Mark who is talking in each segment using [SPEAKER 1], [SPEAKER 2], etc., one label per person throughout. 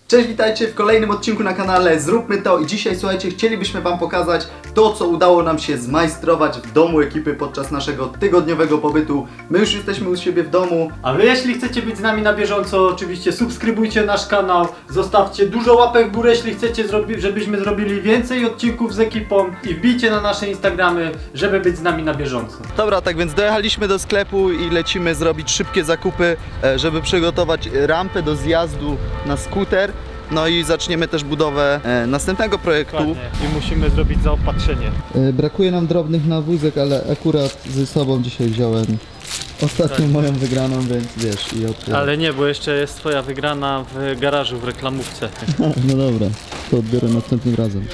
[SPEAKER 1] Cześć, witajcie w kolejnym odcinku na kanale Zróbmy to i dzisiaj, słuchajcie, chcielibyśmy wam pokazać to, co udało nam się zmajstrować w domu ekipy podczas naszego tygodniowego pobytu. My już jesteśmy u siebie w domu.
[SPEAKER 2] A wy, jeśli chcecie być z nami na bieżąco, oczywiście subskrybujcie nasz kanał, zostawcie dużo łapek w górę, jeśli chcecie, żebyśmy zrobili więcej odcinków z ekipą i wbijcie na nasze Instagramy, żeby być z nami na bieżąco.
[SPEAKER 1] Dobra, tak więc dojechaliśmy do sklepu i lecimy zrobić szybkie zakupy, żeby przygotować rampę do zjazdu na skuter. No i zaczniemy też budowę następnego projektu.
[SPEAKER 2] Dokładnie. I musimy zrobić zaopatrzenie.
[SPEAKER 1] Brakuje nam drobnych nawózek, ale akurat ze sobą dzisiaj wziąłem ostatnią moją wygraną, więc wiesz i odbieram.
[SPEAKER 2] Ale nie, bo jeszcze jest twoja wygrana w garażu, w reklamówce.
[SPEAKER 1] No dobra, to odbiorę następnym razem.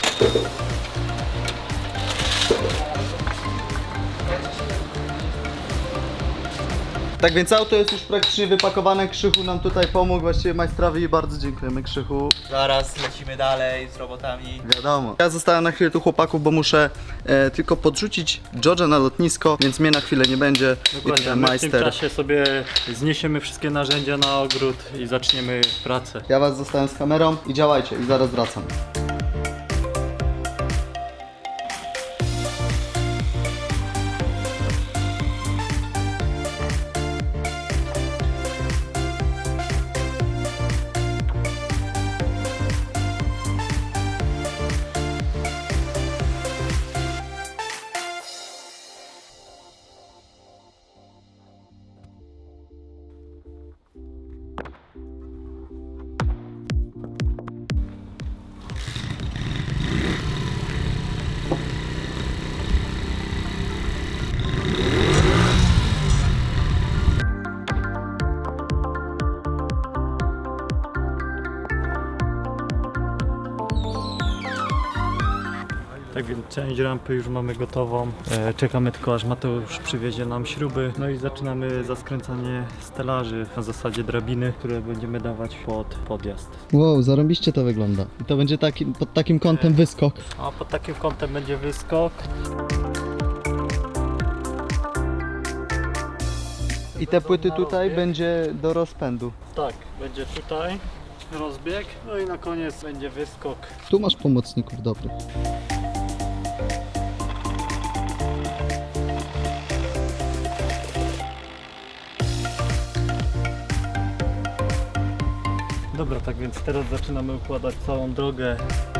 [SPEAKER 1] Tak więc auto jest już praktycznie wypakowane, Krzychu nam tutaj pomógł, właściwie majstrowi, i bardzo dziękujemy, Krzychu.
[SPEAKER 3] Zaraz lecimy dalej z robotami.
[SPEAKER 1] Wiadomo. Ja zostałem na chwilę tu chłopaków, bo muszę tylko podrzucić George'a na lotnisko, więc mnie na chwilę nie będzie. I
[SPEAKER 2] Dokładnie,
[SPEAKER 1] tutaj
[SPEAKER 2] my w tym
[SPEAKER 1] majster.
[SPEAKER 2] czasie sobie zniesiemy wszystkie narzędzia na ogród i zaczniemy pracę.
[SPEAKER 1] Ja was zostałem z kamerą i działajcie, i zaraz wracam.
[SPEAKER 2] Tak więc część rampy już mamy gotową. Czekamy tylko, aż Mateusz przywiezie nam śruby. No i zaczynamy zaskręcanie stelaży na zasadzie drabiny, które będziemy dawać pod podjazd.
[SPEAKER 1] Wow, zarąbiście to wygląda. I to będzie pod takim kątem wyskok.
[SPEAKER 2] A pod takim kątem będzie wyskok.
[SPEAKER 1] I te płyty tutaj będzie do rozpędu.
[SPEAKER 2] Tak, będzie tutaj rozbieg, no i na koniec będzie wyskok.
[SPEAKER 1] Tu masz pomocników dobrych.
[SPEAKER 2] Dobra, tak więc teraz zaczynamy układać całą drogę.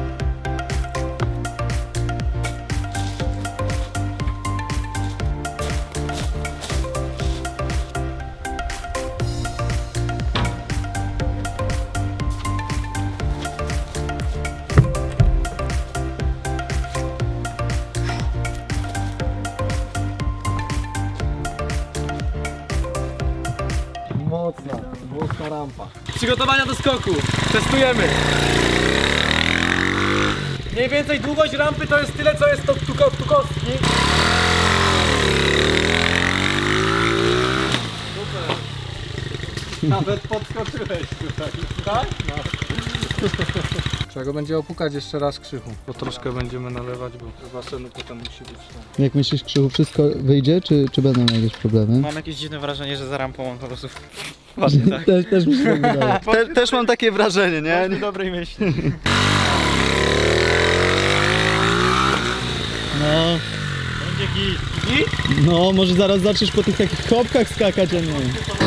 [SPEAKER 3] Mocna rampa.
[SPEAKER 4] Przygotowania do skoku. Testujemy. Mniej więcej długość rampy to jest tyle, co jest to tu kostki. Super. Nawet podskoczyłeś tutaj. Tak? No.
[SPEAKER 5] Trzeba go będzie opukać jeszcze raz, Krzychu, bo troszkę będziemy nalewać, bo basenu potem musi być tam.
[SPEAKER 1] Jak myślisz, Krzychu, wszystko wyjdzie, czy będą jakieś problemy?
[SPEAKER 3] Mam jakieś dziwne wrażenie, że za rampą on po prostu właśnie tak.
[SPEAKER 1] Też mi się tak wydaje. Też mam takie wrażenie, nie?
[SPEAKER 3] Dobrej myśli.
[SPEAKER 1] No,
[SPEAKER 2] Będzie git.
[SPEAKER 1] no, może zaraz zaczniesz po tych takich kopkach skakać, a nie.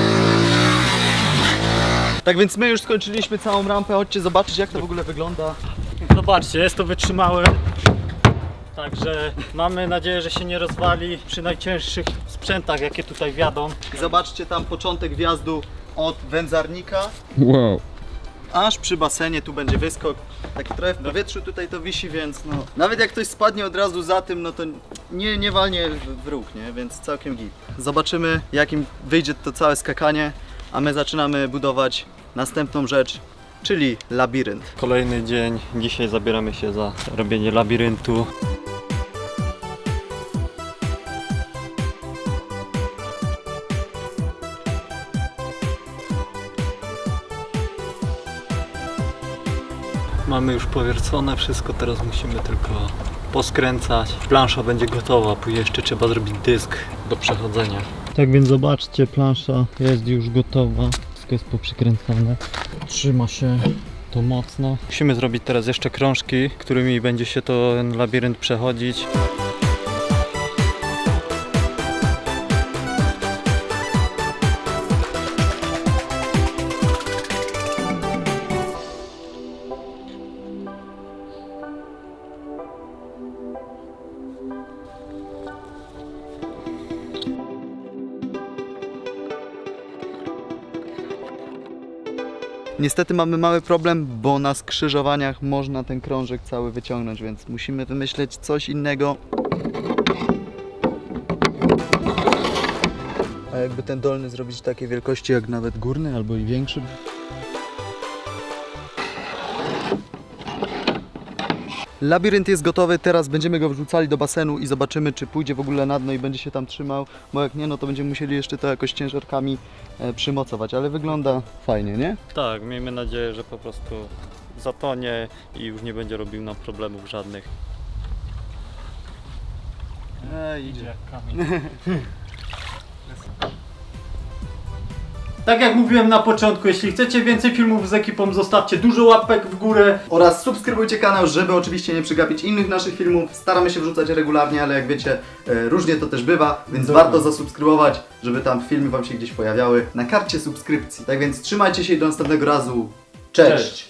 [SPEAKER 1] Tak więc my już skończyliśmy całą rampę, chodźcie zobaczyć, jak to w ogóle wygląda.
[SPEAKER 2] Zobaczcie, jest to wytrzymałe. Także mamy nadzieję, że się nie rozwali przy najcięższych sprzętach, jakie tutaj wjadą.
[SPEAKER 1] I zobaczcie tam początek wjazdu od wędzarnika,
[SPEAKER 5] Wow.
[SPEAKER 1] aż przy basenie, tu będzie wyskok. Taki trochę w powietrzu tutaj to wisi, więc no, nawet jak ktoś spadnie od razu za tym, no to nie walnie w róg, nie? Więc całkiem git. Zobaczymy, jakim wyjdzie to całe skakanie, a my zaczynamy budować następną rzecz, czyli labirynt.
[SPEAKER 2] Kolejny dzień. Dzisiaj zabieramy się za robienie labiryntu. Mamy już powiercone wszystko, teraz musimy tylko poskręcać. Plansza będzie gotowa, później jeszcze trzeba zrobić dysk do przechodzenia. Tak więc zobaczcie, plansza jest już gotowa. Wszystko jest poprzykręcane. Trzyma się to mocno. Musimy zrobić teraz jeszcze krążki, którymi będzie się ten labirynt przechodzić.
[SPEAKER 1] Niestety mamy mały problem, bo na skrzyżowaniach można ten krążek cały wyciągnąć, więc musimy wymyśleć coś innego. A jakby ten dolny zrobić takiej wielkości jak nawet górny, albo i większy. Labirynt jest gotowy, teraz będziemy go wrzucali do basenu i zobaczymy, czy pójdzie w ogóle na dno i będzie się tam trzymał, bo jak nie, no to będziemy musieli jeszcze to jakoś ciężarkami przymocować, ale wygląda fajnie, nie?
[SPEAKER 2] Tak, miejmy nadzieję, że po prostu zatonie i już nie będzie robił nam problemów żadnych.
[SPEAKER 1] Idzie.
[SPEAKER 2] Tak jak mówiłem na początku, jeśli chcecie więcej filmów z ekipą, zostawcie dużo łapek w górę.
[SPEAKER 1] Oraz subskrybujcie kanał, żeby oczywiście nie przegapić innych naszych filmów. Staramy się wrzucać regularnie, ale jak wiecie, różnie to też bywa, więc warto zasubskrybować, żeby tam filmy wam się gdzieś pojawiały na karcie subskrypcji. Tak więc trzymajcie się i do następnego razu. Cześć!